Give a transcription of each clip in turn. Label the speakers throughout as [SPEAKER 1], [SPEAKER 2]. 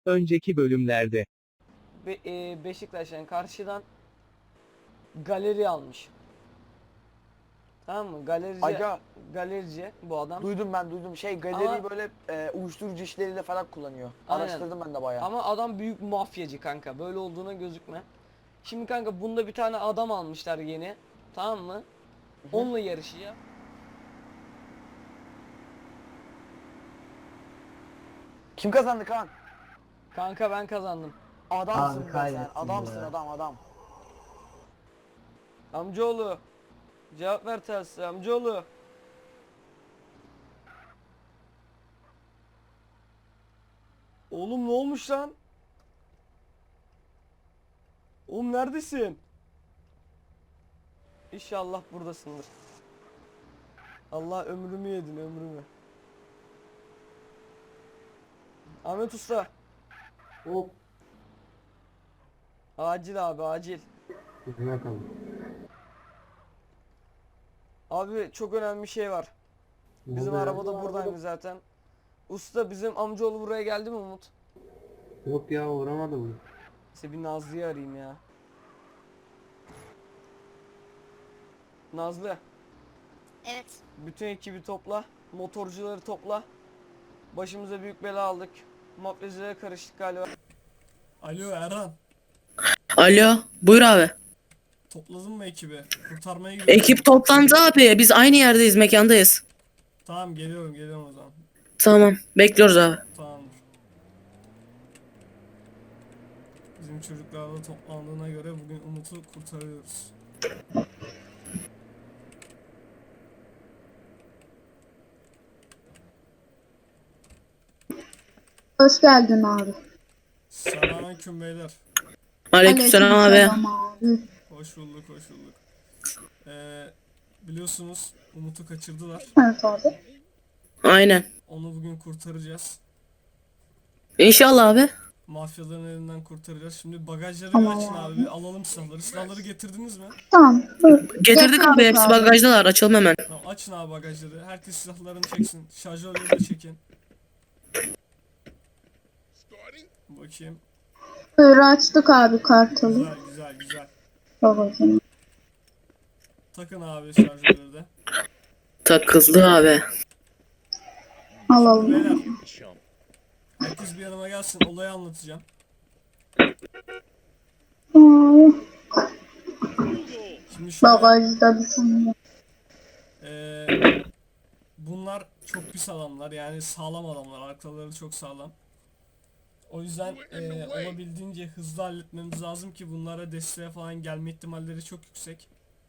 [SPEAKER 1] Önceki bölümlerde.
[SPEAKER 2] Beşiktaş'tan karşıdan galeri almış. Tamam mı?
[SPEAKER 3] Aga
[SPEAKER 2] Galerici bu adam.
[SPEAKER 3] duydum ben duydum. Galeriyi
[SPEAKER 2] Ama-
[SPEAKER 3] böyle uyuşturucu işleriyle falan kullanıyor.
[SPEAKER 2] Aynen.
[SPEAKER 3] Araştırdım ben de bayağı.
[SPEAKER 2] Ama adam büyük mafyacı kanka. Böyle olduğuna gözükme. Şimdi kanka bunda bir tane adam almışlar yeni. Tamam mı? Onunla yarışıyor.
[SPEAKER 3] Kim kazandı Kaan?
[SPEAKER 2] Kanka ben kazandım.
[SPEAKER 3] Adamsın
[SPEAKER 4] Abi
[SPEAKER 3] be sen.
[SPEAKER 4] kaybettin
[SPEAKER 3] Adamsın
[SPEAKER 4] ya.
[SPEAKER 3] adam.
[SPEAKER 2] Amcaoğlu. Cevap ver tersi amcaoğlu. Oğlum ne olmuş lan? Oğlum neredesin? İnşallah buradasındır. Allah ömrümü yedin ömrümü. Ahmet Usta.
[SPEAKER 4] Hop.
[SPEAKER 2] Acil abi acil.
[SPEAKER 4] Dur bakalım.
[SPEAKER 2] Abi çok önemli bir şey var.
[SPEAKER 4] Ne
[SPEAKER 2] Bizim
[SPEAKER 4] oldu ya?
[SPEAKER 2] araba da buradaymış zaten. Usta bizim amcaoğlu buraya geldi mi Umut?
[SPEAKER 4] Yok ya uğramadım.
[SPEAKER 2] İşte bir Nazlı'yı arayayım ya. Nazlı,
[SPEAKER 5] Evet.
[SPEAKER 2] bütün ekibi topla, motorcuları topla. Başımıza büyük bela aldık. Mafyacılara karıştık galiba. Alo Erhan,
[SPEAKER 6] Alo, buyur abi.
[SPEAKER 2] topladın mı ekibi? Kurtarmaya gidiyorum.
[SPEAKER 6] Ekip toplandı abi. Biz aynı yerdeyiz, mekandayız.
[SPEAKER 2] Tamam geliyorum o zaman.
[SPEAKER 6] Tamam, bekliyoruz abi.
[SPEAKER 2] Tamamdır. Bizim çocuklarla toplandığına göre bugün Umut'u kurtarıyoruz.
[SPEAKER 5] Hoş geldin abi.
[SPEAKER 2] Selamünaleyküm beyler.
[SPEAKER 6] Aleykümselam abi.
[SPEAKER 5] Aleykümselam abi.
[SPEAKER 2] Hoş bulduk. Biliyorsunuz Umut'u kaçırdılar.
[SPEAKER 5] Evet abi.
[SPEAKER 6] Aynen.
[SPEAKER 2] Onu bugün kurtaracağız.
[SPEAKER 6] İnşallah abi.
[SPEAKER 2] Mafyaların elinden kurtaracağız. Şimdi bagajları bir
[SPEAKER 5] Tamam
[SPEAKER 2] açın
[SPEAKER 5] abi.
[SPEAKER 2] abi. Bir alalım silahları. Silahları getirdiniz mi?
[SPEAKER 5] Tamam.
[SPEAKER 6] Getirdik abi, hepsi bagajdalar. Açalım hemen.
[SPEAKER 2] Tamam açın abi bagajları. Herkes silahlarını çeksin. Şarjörleri de çekin. Bakayım.
[SPEAKER 5] Buyur açtık abi kartalı.
[SPEAKER 2] Güzel.
[SPEAKER 5] Babacığım.
[SPEAKER 2] Takın abi şarjörleri de.
[SPEAKER 6] Takızlı abi.
[SPEAKER 5] Alalım.
[SPEAKER 2] Beyler. Herkes bir yanıma gelsin. Olayı anlatacağım.
[SPEAKER 5] Aa,
[SPEAKER 2] Şimdi şöyle.
[SPEAKER 5] bagajda bir tane.
[SPEAKER 2] Bunlar çok pis adamlar. Yani sağlam adamlar. Arkaları çok sağlam. O yüzden olabildiğince hızlı halletmemiz lazım ki bunlara desteğe falan gelme ihtimalleri çok yüksek.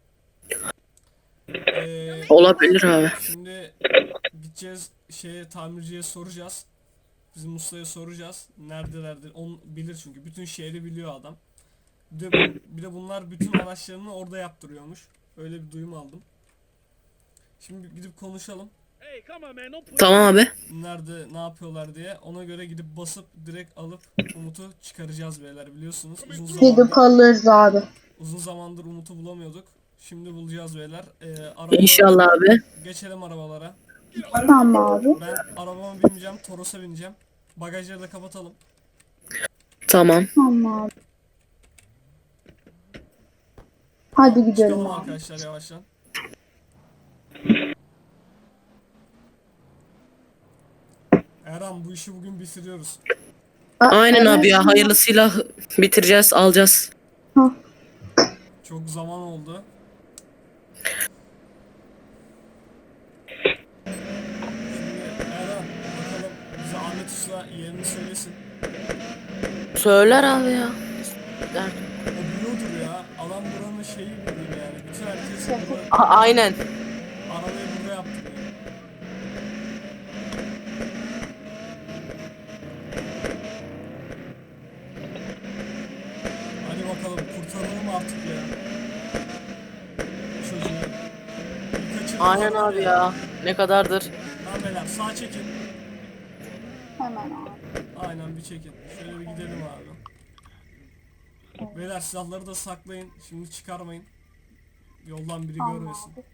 [SPEAKER 6] Olabilir abi.
[SPEAKER 2] Şimdi gideceğiz tamirciye soracağız. Bizim ustaya soracağız. Neredelerdir? Onu bilir çünkü. Bütün şehri biliyor adam. Bir de bunlar bütün araçlarını orada yaptırıyormuş. Öyle bir duyum aldım. Şimdi gidip konuşalım.
[SPEAKER 6] Tamam abi.
[SPEAKER 2] Nerede ne yapıyorlar diye. Ona göre gidip basıp direkt alıp Umut'u çıkaracağız beyler, biliyorsunuz.
[SPEAKER 5] Gidip alırız abi.
[SPEAKER 2] Uzun zamandır Umut'u bulamıyorduk. Şimdi bulacağız beyler.
[SPEAKER 6] İnşallah abi.
[SPEAKER 2] Geçelim arabalara.
[SPEAKER 5] Tamam abi.
[SPEAKER 2] Ben arabama bineceğim. Toros'a bineceğim. Bagajları da kapatalım.
[SPEAKER 6] Tamam.
[SPEAKER 5] Tamam abi. Hadi gidelim
[SPEAKER 2] Çıkalım
[SPEAKER 5] abi.
[SPEAKER 2] arkadaşlar yavaştan. Erhan bu işi bugün bitiriyoruz.
[SPEAKER 6] Aynen
[SPEAKER 5] Evet.
[SPEAKER 6] abi ya. Hayırlısıyla bitireceğiz, alacağız.
[SPEAKER 2] Çok zaman oldu. Şimdi Erhan bakalım bize Ahmet Usta yerini söylesin.
[SPEAKER 6] Söyler abi ya.
[SPEAKER 2] O biliyordur ya. Adam buranın şeyi bildiğin yani. Bütün herkes burada
[SPEAKER 6] Aynen.
[SPEAKER 2] arabayı burada yaptırıyor. Hadi bakalım kurtaralım artık ya. Çocuğu. Bir kaçırdık
[SPEAKER 6] Aynen
[SPEAKER 2] adamı
[SPEAKER 6] abi ya. Ne kadardır?
[SPEAKER 2] Lan beyler sağ çekin.
[SPEAKER 5] Hemen abi.
[SPEAKER 2] Aynen bir çekin. Şöyle bir gidelim abi. Beyler silahları da saklayın. Şimdi çıkarmayın. Yoldan biri
[SPEAKER 5] Tamam
[SPEAKER 2] görmesin.
[SPEAKER 5] abi.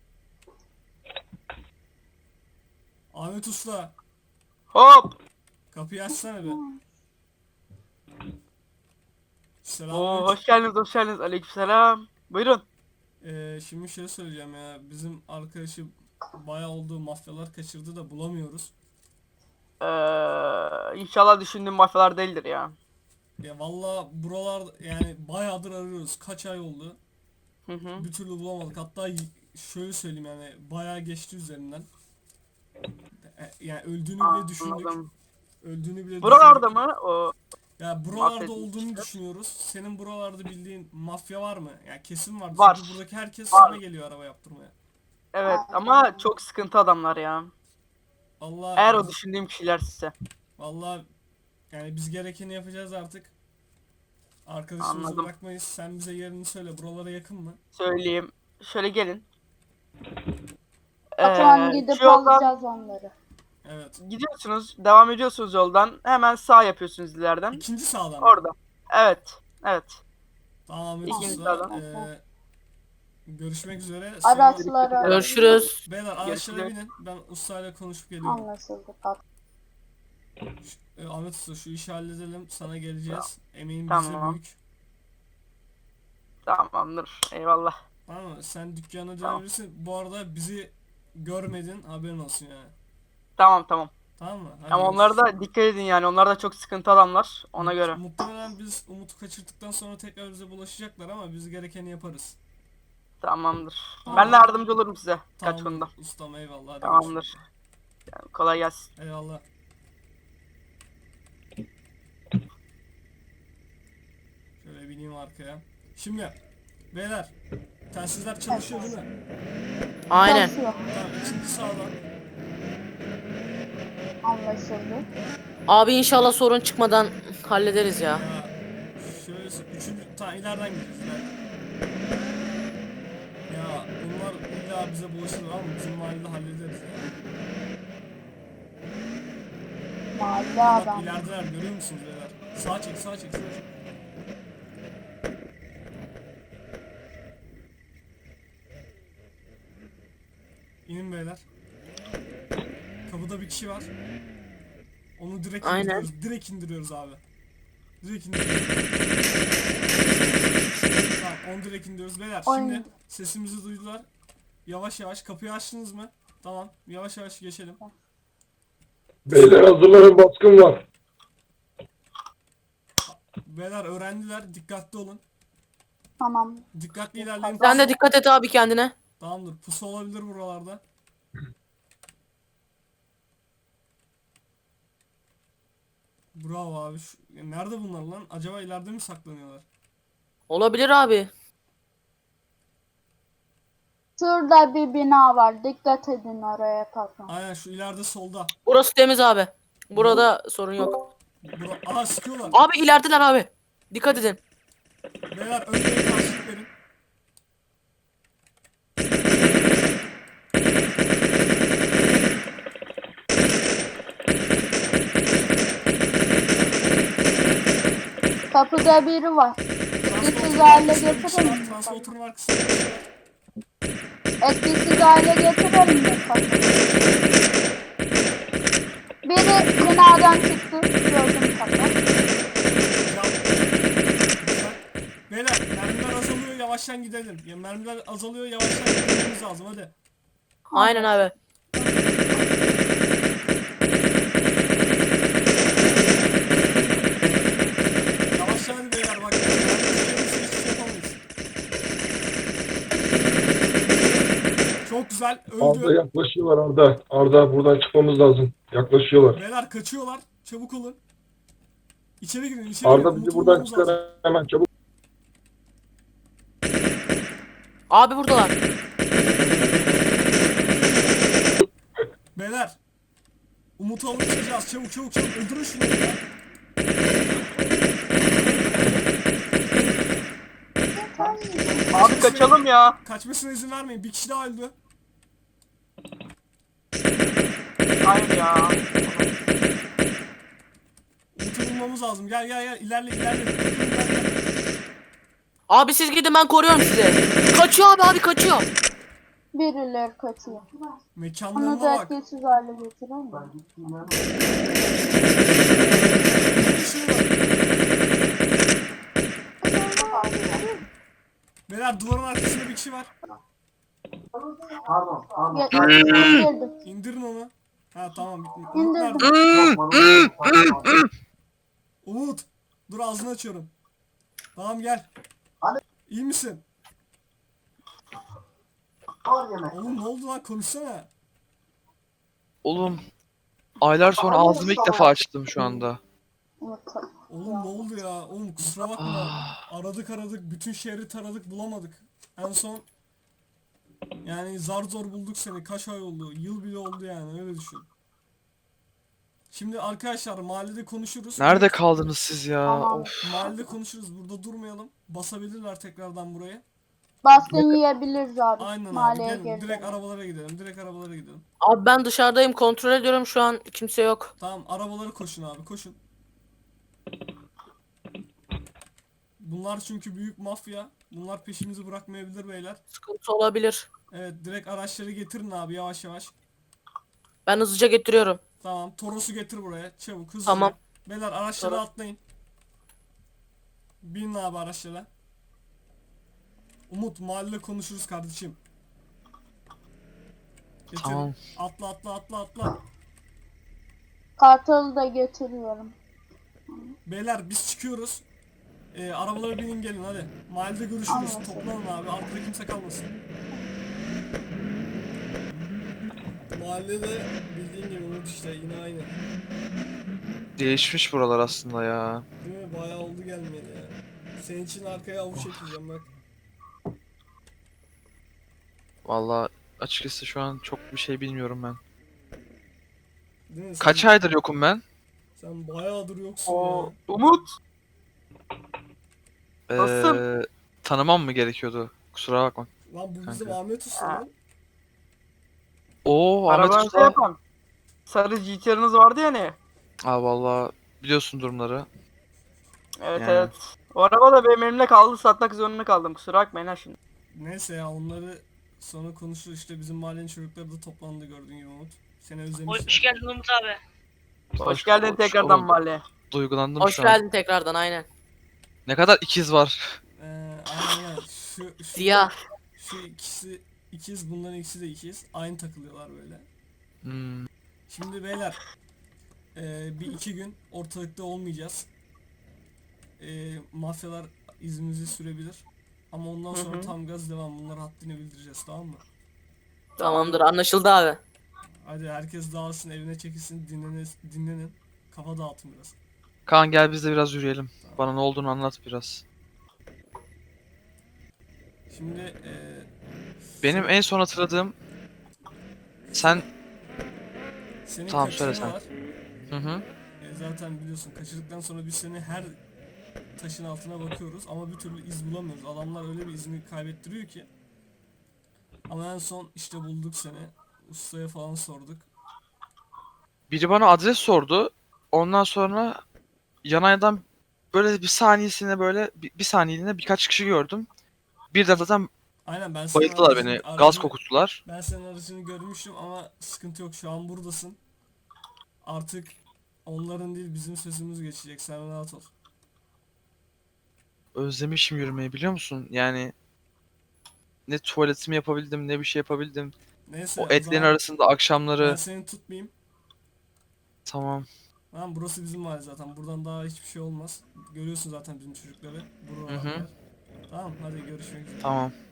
[SPEAKER 2] Ahmet Usta.
[SPEAKER 3] Hop!
[SPEAKER 2] Kapıyı açsana bir.
[SPEAKER 1] Oo,
[SPEAKER 2] Selamünaleyküm.
[SPEAKER 1] hoş geldiniz, hoş geldiniz. Aleykümselam. Buyurun.
[SPEAKER 2] Şimdi şey söyleyeceğim ya. Bizim arkadaşı bayağı olduğu mafyalar kaçırdı da bulamıyoruz.
[SPEAKER 1] İnşallah düşündüğüm mafyalar değildir ya.
[SPEAKER 2] Ya valla buralar yani bayağıdır arıyoruz. Kaç ay oldu.
[SPEAKER 1] Hı hı.
[SPEAKER 2] Bir türlü bulamadık. Hatta şöyle söyleyeyim yani bayağı geçti üzerinden. Yani öldüğünü bile düşündük.
[SPEAKER 1] Anladım.
[SPEAKER 2] Öldüğünü bile
[SPEAKER 1] Buralarda
[SPEAKER 2] düşündük.
[SPEAKER 1] mı? O
[SPEAKER 2] Ya buralarda
[SPEAKER 1] Bahsetmiştim.
[SPEAKER 2] olduğunu düşünüyoruz. Senin buralarda bildiğin mafya var mı? Ya kesin var.
[SPEAKER 1] Var.
[SPEAKER 2] Çünkü buradaki herkes
[SPEAKER 1] Var.
[SPEAKER 2] sana geliyor araba yaptırmaya.
[SPEAKER 1] evet ama çok sıkıntı adamlar ya.
[SPEAKER 2] Allah
[SPEAKER 1] Eğer o düşündüğüm kişiler size.
[SPEAKER 2] Vallahi yani biz gerekeni yapacağız artık. Arkadaşımızı
[SPEAKER 1] Anladım.
[SPEAKER 2] bırakmayız. Sen bize yerini söyle. Buralara yakın mı?
[SPEAKER 1] Söyleyeyim. Şöyle gelin.
[SPEAKER 5] Patron gidip
[SPEAKER 1] Şu yoldan
[SPEAKER 5] alacağız onları.
[SPEAKER 2] Evet.
[SPEAKER 1] gidiyorsunuz, devam ediyorsunuz yoldan. Hemen sağ yapıyorsunuz ileriden.
[SPEAKER 2] İkinci sağdan mı?
[SPEAKER 1] Orada. Evet. Evet.
[SPEAKER 2] Tamam
[SPEAKER 1] İkinci
[SPEAKER 2] Mesut'la,
[SPEAKER 1] sağdan.
[SPEAKER 2] görüşmek üzere.
[SPEAKER 5] Araçlara
[SPEAKER 6] Görüşürüz.
[SPEAKER 2] Beyler araçlara
[SPEAKER 1] Görüşürüz.
[SPEAKER 2] binin. Ben ustayla konuşup geliyorum.
[SPEAKER 5] anlaşıldı patron.
[SPEAKER 2] Ahmet Usta şu işi halledelim. Sana geleceğiz. Emeğin bize
[SPEAKER 1] Tamam.
[SPEAKER 2] büyük.
[SPEAKER 1] Tamamdır. Eyvallah.
[SPEAKER 2] Tamam mı? Sen dükkana
[SPEAKER 1] Tamam.
[SPEAKER 2] dönebilirsin. Bu arada bizi görmedin. Haberin olsun yani.
[SPEAKER 1] Tamam tamam.
[SPEAKER 2] Tamam mı? Hadi
[SPEAKER 1] Ama onlara
[SPEAKER 2] görüşürüz.
[SPEAKER 1] da dikkat edin yani. Onlar da çok sıkıntı adamlar. Ona göre.
[SPEAKER 2] Muhtemelen biz Umut'u kaçırdıktan sonra tekrar bize bulaşacaklar ama biz gerekeni yaparız.
[SPEAKER 1] Tamamdır.
[SPEAKER 2] Tamam.
[SPEAKER 1] Ben de yardımcı olurum size. Kaç
[SPEAKER 2] Tamam
[SPEAKER 1] konuda.
[SPEAKER 2] ustam eyvallah. Hadi görüşürüz.
[SPEAKER 1] Tamamdır. Yani kolay gelsin.
[SPEAKER 2] Eyvallah. Şöyle bineyim arkaya. Şimdi beyler telsizler çalışıyor değil mi?
[SPEAKER 6] Aynen.
[SPEAKER 5] Çalışıyor.
[SPEAKER 2] Tamam ikinci sağdan.
[SPEAKER 5] Anlaşıldı.
[SPEAKER 6] Abi inşallah sorun çıkmadan hallederiz ya.
[SPEAKER 2] Ya şöyle üçüncü ta ileriden gideceğiz ileriden. Ya bunlar illa bize bulaşır ama bizim mahallede hallederiz ya.
[SPEAKER 5] Mahalle
[SPEAKER 2] Bak
[SPEAKER 5] adam.
[SPEAKER 2] ilerideler görüyor musunuz beyler? Sağa çek sağa çek sağa çek. İnin beyler. Kapıda bir kişi var. Onu direkt
[SPEAKER 6] Aynen.
[SPEAKER 2] indiriyoruz. Direkt indiriyoruz abi. Direkt indiriyoruz. Tamam onu direkt indiriyoruz beyler.
[SPEAKER 5] Aynen.
[SPEAKER 2] Şimdi sesimizi duydular. Yavaş yavaş kapıyı açtınız mı? Tamam. Yavaş yavaş geçelim.
[SPEAKER 7] Beyler hazırlanın, baskın var.
[SPEAKER 2] Beyler öğrendiler. Dikkatli olun.
[SPEAKER 5] Tamam.
[SPEAKER 2] Dikkatli ilerleyin.
[SPEAKER 6] Sen de dikkat et abi kendine.
[SPEAKER 2] Tamamdır. Pusu olabilir buralarda. Bravo abi. Nerede bunlar lan? Acaba ileride mi saklanıyorlar?
[SPEAKER 6] Olabilir abi.
[SPEAKER 5] Şurada bir bina var. Dikkat edin oraya patron.
[SPEAKER 2] Aynen şu ileride solda.
[SPEAKER 6] Burası temiz abi. Burada sorun yok.
[SPEAKER 2] Aha sıkıyorlar.
[SPEAKER 6] Abi ilerideler abi. Dikkat edin.
[SPEAKER 2] Beyler önlerine karşılık verin.
[SPEAKER 5] Kapıda biri var. Etkisiz hale getirelim mi?
[SPEAKER 2] Transporter'ın arkasında.
[SPEAKER 5] Etkisiz hale getirelim mi patron? Biri binadan çıktı. Gördüm patron.
[SPEAKER 2] Beyler mermiler azalıyor yavaştan gidelim. Ya mermiler azalıyor yavaştan gitmemiz lazım hadi.
[SPEAKER 6] Aynen abi.
[SPEAKER 2] Yavaştan hadi beyler bak. Hiçbir şey yapamayız. Çok güzel
[SPEAKER 7] Arda
[SPEAKER 2] öldü.
[SPEAKER 7] yaklaşıyorlar Arda. Arda buradan çıkmamız lazım. Yaklaşıyorlar.
[SPEAKER 2] Beyler kaçıyorlar. Çabuk olun. İçeri girin içeri girin.
[SPEAKER 7] Arda bizi
[SPEAKER 2] Umut'u
[SPEAKER 7] buradan
[SPEAKER 2] bulmamız lazım.
[SPEAKER 7] çıkar hemen çabuk.
[SPEAKER 6] Abi buradalar.
[SPEAKER 2] Beyler. Umut'u alıp çıkacağız. Çabuk çabuk çabuk. Öldürün şunu ya.
[SPEAKER 1] Abi kaçalım ya.
[SPEAKER 2] Kaçmasına izin vermeyin. Bir kişi daha öldü.
[SPEAKER 1] Hayır ya.
[SPEAKER 2] Umut'u bulmamız lazım. Gel gel gel. İlerle ilerle. İlerle.
[SPEAKER 6] Abi siz gidin ben koruyorum sizi. Kaçıyor abi kaçıyor.
[SPEAKER 5] Birileri kaçıyor. Onu
[SPEAKER 2] Mekanlarına
[SPEAKER 5] da
[SPEAKER 2] bak.
[SPEAKER 5] etkisiz hale getirelim mi?
[SPEAKER 2] Beyler duvarın arkasında bir kişi var.
[SPEAKER 5] Girdim.
[SPEAKER 2] İndirin onu. Ha tamam. Umut
[SPEAKER 5] İndirdim.
[SPEAKER 2] nerede? Umut. Dur ağzını açıyorum. Tamam gel. İyi misin? Oğlum ne oldu lan, konuşsana.
[SPEAKER 8] Oğlum aylar sonra ağzımı ilk defa açtım şu anda.
[SPEAKER 5] Umut.
[SPEAKER 2] Oğlum ne oldu ya? Oğlum kusura bakma. Aradık bütün şehri taradık bulamadık. En son yani zar zor bulduk seni. Kaç ay oldu? Yıl bile oldu yani, öyle düşün. Şimdi arkadaşlar mahallede konuşuruz.
[SPEAKER 8] Nerede kaldınız siz ya?
[SPEAKER 5] Tamam.
[SPEAKER 8] Of.
[SPEAKER 2] Mahallede konuşuruz. Burada durmayalım. Basabilirler tekrardan buraya.
[SPEAKER 5] Baskın yiyebiliriz abi.
[SPEAKER 2] Aynen abi,
[SPEAKER 5] Mahalleye
[SPEAKER 2] gelin.
[SPEAKER 5] geri
[SPEAKER 2] Direkt
[SPEAKER 5] dönelim.
[SPEAKER 2] arabalara gidelim. Direkt arabalara gidelim.
[SPEAKER 6] Abi ben dışarıdayım, kontrol ediyorum şu an, kimse yok.
[SPEAKER 2] Tamam, arabalara koşun abi, koşun. Bunlar çünkü büyük mafya. Bunlar peşimizi bırakmayabilir beyler.
[SPEAKER 6] Sıkıntı olabilir.
[SPEAKER 2] Evet, direkt araçları getirin abi, yavaş yavaş.
[SPEAKER 6] Ben hızlıca getiriyorum.
[SPEAKER 2] Tamam, Toros'u getir buraya çabuk, hızlıca.
[SPEAKER 6] Tamam.
[SPEAKER 2] Beyler araçlara
[SPEAKER 6] Toros.
[SPEAKER 2] atlayın. Binin abi araçlara. Umut, mahalle konuşuruz kardeşim. Getir.
[SPEAKER 8] Tamam.
[SPEAKER 2] Atla.
[SPEAKER 5] Kartalı da getiriyorum.
[SPEAKER 2] Beyler biz çıkıyoruz. Arabalara binin gelin hadi. Mahallede görüşürüz.
[SPEAKER 5] Anlaşıldı.
[SPEAKER 2] Toplanın abi. Arkada kimse kalmasın. Mahallede bildiğin gibi Umut işte yine aynı.
[SPEAKER 8] Değişmiş buralar aslında ya.
[SPEAKER 2] Değil mi? Bayağı oldu gelmedi ya. Senin için arkaya avuç çekeceğim bak.
[SPEAKER 8] Vallahi açıkçası şu an çok bir şey bilmiyorum ben.
[SPEAKER 2] Değil mi?
[SPEAKER 8] Kaç aydır yokum ben?
[SPEAKER 2] Sen bayağıdır yoksun
[SPEAKER 1] O
[SPEAKER 2] ya.
[SPEAKER 1] Umut. Nasıl?
[SPEAKER 8] Tanımam mı gerekiyordu? Kusura bakma.
[SPEAKER 2] Lan bu bizim
[SPEAKER 8] Kanka.
[SPEAKER 2] Ahmet Usta lan.
[SPEAKER 8] Oo Ahmet
[SPEAKER 1] Arabanızı
[SPEAKER 8] Usta.
[SPEAKER 1] yapan. Sarı GTR'ınız vardı ya hani.
[SPEAKER 8] Aa vallahi biliyorsun durumları.
[SPEAKER 1] Evet
[SPEAKER 8] Yani.
[SPEAKER 1] evet. O araba da benim elimde kaldı, satmak zorunda kaldım. Kusura bakmayın ha şimdi.
[SPEAKER 2] Neyse ya, onları sonra konuşuruz. İşte bizim mahallenin çocukları da toplandı gördüğün gibi Umut. Seni özlemişler.
[SPEAKER 9] Hoş geldin Umut abi.
[SPEAKER 1] Hoş geldin
[SPEAKER 8] hoş
[SPEAKER 1] tekrardan
[SPEAKER 8] olduk.
[SPEAKER 1] mahalleye.
[SPEAKER 8] Duygulandım
[SPEAKER 6] Hoş
[SPEAKER 8] şu an.
[SPEAKER 6] geldin tekrardan, aynen.
[SPEAKER 8] Ne kadar ikiz var.
[SPEAKER 2] Aynen. Şu
[SPEAKER 6] Siyah.
[SPEAKER 2] Şu ikisi ikiz, bunların ikisi de ikiz. Aynı takılıyorlar böyle.
[SPEAKER 8] Hmm.
[SPEAKER 2] Şimdi beyler, bir iki gün ortalıkta olmayacağız. Mafyalar izimizi sürebilir. Ama ondan
[SPEAKER 1] Hı
[SPEAKER 2] sonra
[SPEAKER 1] hı.
[SPEAKER 2] tam gaz devam. Bunlara haddini bildireceğiz, tamam mı?
[SPEAKER 6] Tamamdır, anlaşıldı abi.
[SPEAKER 2] Hadi herkes dağılsın, evine çekilsin, dinlenin. Kafa dağıtın biraz.
[SPEAKER 8] Kaan gel biz de biraz yürüyelim. Bana ne olduğunu anlat biraz.
[SPEAKER 2] Şimdi
[SPEAKER 8] Benim en son hatırladığım sen
[SPEAKER 2] senin
[SPEAKER 8] Tamam, söyle
[SPEAKER 2] kaçırma
[SPEAKER 8] sen.
[SPEAKER 2] var.
[SPEAKER 8] hı hı.
[SPEAKER 2] Zaten biliyorsun, kaçırdıktan sonra biz seni her taşın altına bakıyoruz ama bir türlü iz bulamıyoruz. Adamlar öyle bir izini kaybettiriyor ki. Ama en son işte bulduk seni. Ustaya falan sorduk.
[SPEAKER 8] Biri bana adres sordu. Ondan sonra yanaydan böyle bir saniyesine böyle bir saniyeliğine birkaç kişi gördüm. Bir de zaten
[SPEAKER 2] Aynen, ben senin
[SPEAKER 8] bayılttılar beni. Gaz kokuttular.
[SPEAKER 2] Ben senin aracını görmüştüm ama sıkıntı yok, şu an buradasın. Artık onların değil bizim sözümüz geçecek, sen rahat ol.
[SPEAKER 8] Özlemişim yürümeyi biliyor musun? Yani ne tuvaletimi yapabildim ne bir şey yapabildim.
[SPEAKER 2] Neyse,
[SPEAKER 8] O
[SPEAKER 2] o
[SPEAKER 8] etlerin
[SPEAKER 2] zaman
[SPEAKER 8] arasında
[SPEAKER 2] ben
[SPEAKER 8] akşamları
[SPEAKER 2] seni tutmayayım.
[SPEAKER 8] tamam.
[SPEAKER 2] Tamam, burası bizim mahalle zaten, buradan daha hiçbir şey olmaz. Görüyorsun zaten bizim çocukları. Buralar.
[SPEAKER 8] Hı hı.
[SPEAKER 2] Tamam, hadi görüşmek üzere.
[SPEAKER 8] Tamam.